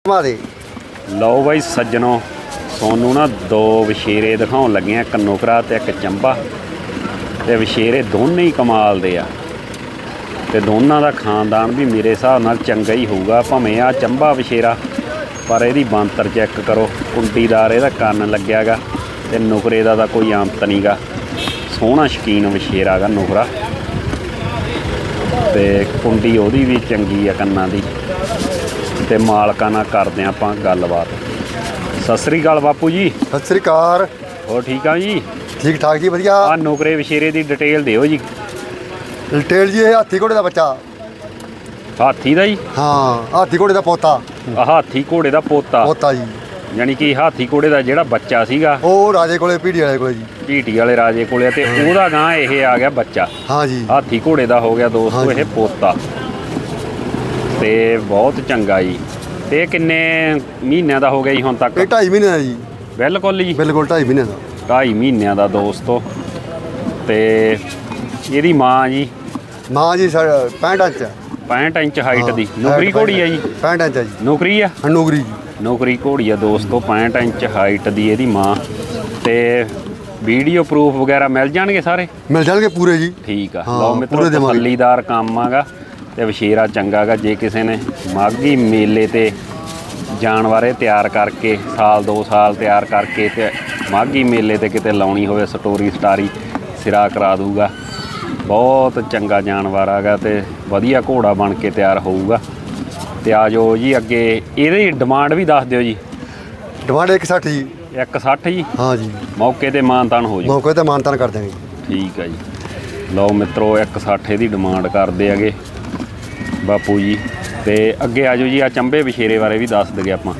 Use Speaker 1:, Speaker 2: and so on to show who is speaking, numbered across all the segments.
Speaker 1: लो भाई सज्जनों सोनू ना दो वछेरे दिखाउण लगे हैं, एक नुकरा ते एक चंबा। ते वछेरे दोनों ही कमाल दे आ ते दोनों का खानदान भी मेरे हिसाब नाल चंगा ही होऊगा। भावें आ चंबा वछेरा पर इहदी बांतर चेक करो, कुंडीदार इहदा कंन लग्या गा ते नुकरे दा कोई आमत नहीं गा। सोहना शकीन वछेरा गा नुकरा ते कुंडी ओहदी भी चंगी आ कन्नां दी। ते मालकां नाल करदे आपां गलबात। सत श्री अकाल बापू जी।
Speaker 2: सत श्री अकाल।
Speaker 1: और ठीक आ जी?
Speaker 2: ठीक ठाक जी, वधिया।
Speaker 1: आ नुकरे वछेरे दी डिटेल दिओ जी।
Speaker 2: डिटेल जी, हाथी घोड़े का बच्चा।
Speaker 1: हाथी दा जी?
Speaker 2: हाँ, हाथी घोड़े का पोता।
Speaker 1: हाथी घोड़े का पोता
Speaker 2: पोता जी,
Speaker 1: यानी कि हाथी घोड़े का जिहड़ा बच्चा सीगा
Speaker 2: ਉਹ ਰਾਜੇ ਕੋਲੇ ਪੀੜੀ ਵਾਲੇ ਕੋਲੇ ਜੀ।
Speaker 1: ਢੀਟੀ वाले राजे कोले ते ओहदा गां ਇਹ आ गया बच्चा।
Speaker 2: हाँ जी,
Speaker 1: हाथी घोड़े का हो गया दोस्तों
Speaker 2: हाँ
Speaker 1: ये पोता ते बहुत चंगा जी। ते किन्ने महीनों का हो गया जी हुण तक?
Speaker 2: ਇਹ 2.5 ਮਹੀਨੇ ਦਾ ਜੀ।
Speaker 1: बिल्कुल जी
Speaker 2: ਬਿਲਕੁਲ 2.5 ਮਹੀਨੇ ਦਾ।
Speaker 1: 2.5 ਮਹੀਨਿਆਂ ਦਾ ਦੋਸਤੋ। ਤੇ ਇਹਦੀ ਮਾਂ ਜੀ?
Speaker 2: ਮਾਂ ਜੀ 65 ਇੰਚ।
Speaker 1: 65 ਇੰਚ ਹਾਈਟ ਦੀ ਨੌਕਰੀ ਘੋੜੀ ਆ ਜੀ?
Speaker 2: 65 ਇੰਚ ਹੈ ਜੀ।
Speaker 1: ਨੌਕਰੀ ਆ?
Speaker 2: ਨੌਕਰੀ ਜੀ,
Speaker 1: ਨੌਕਰੀ ਘੋੜੀ ਆ ਦੋਸਤੋ। 65 ਇੰਚ ਹਾਈਟ ਦੀ ਇਹਦੀ ਮਾਂ। ਤੇ ਵੀਡੀਓ ਪ੍ਰੂਫ ਵਗੈਰਾ ਮਿਲ ਜਾਣਗੇ ਸਾਰੇ?
Speaker 2: ਮਿਲ ਜਾਣਗੇ ਪੂਰੇ ਜੀ।
Speaker 1: ਠੀਕ ਆ।
Speaker 2: ਹਾਂ,
Speaker 1: ਲਓ ਮਿੱਤਰੋ
Speaker 2: ਪੂਰੇ ਦੇਵਾਂਗੇ।
Speaker 1: ਤਸੱਲੀਦਾਰ ਕੰਮ ਆਗਾ ਤੇ ਵਛੇਰਾ ਚੰਗਾ ਗਾ। ਜੇ ਕਿਸੇ ਨੇ ਮਾਘੀ ਮੇਲੇ ਤੇ ਜਾਨਵਰ ਤਿਆਰ ਕਰਕੇ ਸਾਲ 2 ਸਾਲ ਤਿਆਰ ਕਰਕੇ ਤੇ ਮਾਘੀ ਮੇਲੇ ਤੇ ਕਿਤੇ ਲਾਉਣੀ ਹੋਵੇ ਸਟੋਰੀ ਸਟਾਰੀ ਸਿਰਾ ਕਰਾ ਦੂਗਾ। ਬਹੁਤ ਚੰਗਾ ਜਾਨਵਰ ਆਗਾ ਤੇ ਵਧੀਆ ਘੋੜਾ ਬਣ ਕੇ ਤਿਆਰ ਹੋਊਗਾ। ਤੇ ਆ ਜਾਓ ਜੀ ਅੱਗੇ। ਇਹਦੀ ਡਿਮਾਂਡ ਵੀ ਦੱਸ ਦਿਓ ਜੀ।
Speaker 2: ਡਿਮਾਂਡ 160 ਜੀ।
Speaker 1: 160 ਜੀ?
Speaker 2: ਹਾਂ ਜੀ,
Speaker 1: ਮੌਕੇ ਤੇ ਮਾਨਤਾਨ ਹੋ ਜਾਊ?
Speaker 2: ਮੌਕੇ ਤੇ ਮਾਨਤਾਨ ਕਰ ਦਿਆਂਗੇ ਜੀ।
Speaker 1: ਠੀਕ ਹੈ ਜੀ। ਲਓ ਮਿੱਤਰੋ 160 ਦੀ ਡਿਮਾਂਡ ਕਰਦੇ ਹੈਗੇ ਬਾਪੂ ਜੀ। ਤੇ ਅੱਗੇ ਆ ਜਾਓ ਜੀ। ਆ ਚੰਬੇ ਵਛੇਰੇ ਬਾਰੇ ਵੀ ਦੱਸ ਦਈਏ ਆਪਾਂ।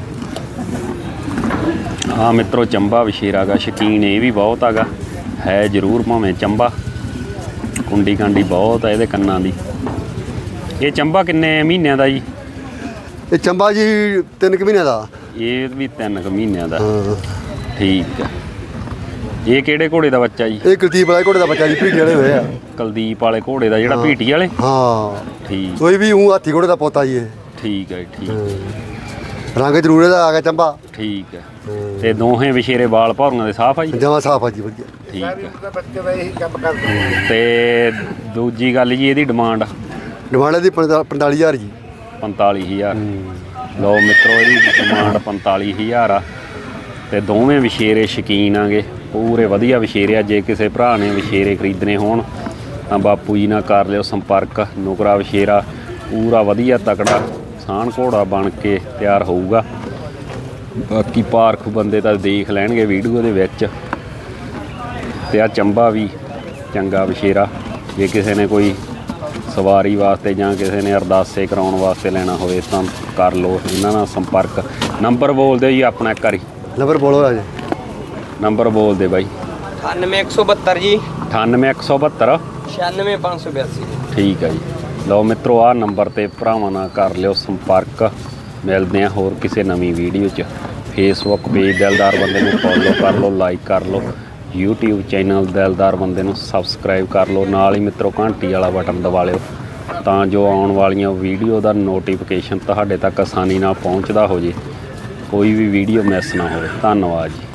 Speaker 1: ਹਾਂ ਮਿੱਤਰੋ ਚੰਬਾ ਵਛੇਰਾ ਗਾ। ਸ਼ੌਕੀਨ ਇਹ ਵੀ ਬਹੁਤ ਹੈਗਾ ਹੈ ਜ਼ਰੂਰ ਭਾਵੇਂ ਚੰਬਾ। ਕੁੰਡੀ ਕਾਂਡੀ ਬਹੁਤ ਹੈ ਇਹਦੇ ਕੰਨਾਂ ਦੀ। ਇਹ ਚੰਬਾ ਕਿੰਨੇ ਮਹੀਨਿਆਂ ਦਾ ਜੀ?
Speaker 2: ਇਹ ਚੰਬਾ ਜੀ 3 ਮਹੀਨੇ ਦਾ।
Speaker 1: ਇਹ ਵੀ 3 ਮਹੀਨਿਆਂ ਦਾ।
Speaker 2: ਹਾਂ,
Speaker 1: ਠੀਕ ਹੈ। ਇਹ ਕਿਹੜੇ ਘੋੜੇ ਦਾ ਬੱਚਾ ਜੀ?
Speaker 2: ਇਹ ਕੁਲਦੀਪ ਵਾਲੇ ਘੋੜੇ ਦਾ ਬੱਚਾ ਜੀ, ਪੀੜੀ ਵਾਲੇ ਹੋਏ ਆ।
Speaker 1: ਕੁਲਦੀਪ ਵਾਲੇ ਘੋੜੇ ਦਾ ਜਿਹੜਾ ਭੀਟੀ ਵਾਲੇ?
Speaker 2: ਹਾਂ,
Speaker 1: ਠੀਕ।
Speaker 2: ਕੋਈ ਵੀ ਉਹ ਹਾਥੀ ਘੋੜੇ ਦਾ ਪੋਤਾ ਜੀ ਇਹ।
Speaker 1: ਠੀਕ ਹੈ ਠੀਕ।
Speaker 2: ਰੰਗ ਜ਼ਰੂਰ ਇਹਦਾ ਆ ਗਿਆ ਚੰਬਾ।
Speaker 1: ਠੀਕ ਹੈ। ਤੇ ਦੋਹੇ ਵਿਸ਼ੇਰੇ ਵਾਲ ਭੌਰੀਆਂ ਦੇ ਸਾਫ ਆ ਜੀ?
Speaker 2: ਜਮਾਂ ਸਾਫ ਆ ਜੀ, ਵਧੀਆ।
Speaker 1: ਠੀਕ ਹੈ। ਤੇ ਦੂਜੀ ਗੱਲ ਜੀ ਇਹਦੀ ਡਿਮਾਂਡ?
Speaker 2: ਡਿਮਾਂਡ ਇਹਦੀ 45,000 ਜੀ।
Speaker 1: 45,000। ਲਓ ਮਿੱਤਰੋ ਇਹਦੀ ਡਿਮਾਂਡ 45,000 ਆ। ਤੇ ਦੋਵੇਂ ਵਿਸ਼ੇਰੇ ਸ਼ੌਕੀਨ ਆਗੇ, ਪੂਰੇ ਵਧੀਆ ਵਿਸ਼ੇਰੇ ਆ। ਜੇ ਕਿਸੇ ਭਰਾ ਨੇ ਵਿਸ਼ੇਰੇ ਖਰੀਦਣੇ ਹੋਣ ਤਾਂ ਬਾਪੂ ਜੀ ਨਾਲ ਕਰ ਲਿਓ ਸੰਪਰਕ। ਨੁਕਰਾ ਵਿਸ਼ੇਰਾ ਪੂਰਾ ਵਧੀਆ ਤਕੜਾ ਸਾਣ ਘੋੜਾ ਬਣ ਕੇ ਤਿਆਰ ਹੋਊਗਾ। ਬਾਕੀ ਪਾਰਖ ਬੰਦੇ ਤਾਂ ਦੇਖ ਲੈਣਗੇ ਵੀਡੀਓ ਦੇ ਵਿੱਚ। ਤੇ ਆ ਚੰਬਾ ਵੀ ਚੰਗਾ ਵਿਸ਼ੇਰਾ। ਜੇ ਕਿਸੇ ਨੇ ਕੋਈ ਸਵਾਰੀ ਵਾਸਤੇ ਜਾਂ ਕਿਸੇ ਨੇ ਅਰਦਾਸੇ ਕਰਾਉਣ ਵਾਸਤੇ ਲੈਣਾ ਹੋਵੇ ਤਾਂ ਕਰ ਲਓ ਇਹਨਾਂ ਨਾਲ ਸੰਪਰਕ। ਨੰਬਰ ਬੋਲ ਦਿਓ ਜੀ ਆਪਣਾ ਇੱਕ ਵਾਰੀ।
Speaker 2: ਨੰਬਰ ਬੋਲੋ ਰਾਜੇ।
Speaker 1: ਨੰਬਰ ਬੋਲ ਦੇ ਬਾਈ।
Speaker 3: 98172 ਜੀ।
Speaker 1: 98172
Speaker 3: 96582।
Speaker 1: ਠੀਕ ਹੈ ਜੀ। ਲਓ ਮਿੱਤਰੋ ਆਹ ਨੰਬਰ ਤੇ ਭਰਾਵਾਂ ਨਾਲ ਕਰ ਲਿਓ ਸੰਪਰਕ। ਮਿਲਦੇ ਆ ਹੋਰ ਕਿਸੇ ਨਵੀਂ ਵੀਡੀਓ 'ਚ। ਫੇਸਬੁੱਕ ਪੇਜ ਦਿਲਦਾਰ ਬੰਦੇ ਨੂੰ ਫੋਲੋ ਕਰ ਲਓ, ਲਾਈਕ ਕਰ ਲਓ। YouTube ਚੈਨਲ ਦਿਲਦਾਰ ਬੰਦੇ ਨੂੰ ਸਬਸਕ੍ਰਾਈਬ ਕਰ ਲਓ। ਨਾਲ ਹੀ ਮਿੱਤਰੋ ਘੰਟੀ ਵਾਲਾ ਬਟਨ ਦਬਾ ਲਿਓ ਤਾਂ ਜੋ ਆਉਣ ਵਾਲੀਆਂ ਵੀਡੀਓ ਦਾ ਨੋਟੀਫਿਕੇਸ਼ਨ ਤੁਹਾਡੇ ਤੱਕ ਆਸਾਨੀ ਨਾਲ ਪਹੁੰਚਦਾ ਹੋ ਜੇ, ਕੋਈ ਵੀ ਵੀਡੀਓ ਮਿਸ ਨਾ ਹੋਵੇ। ਧੰਨਵਾਦ ਜੀ।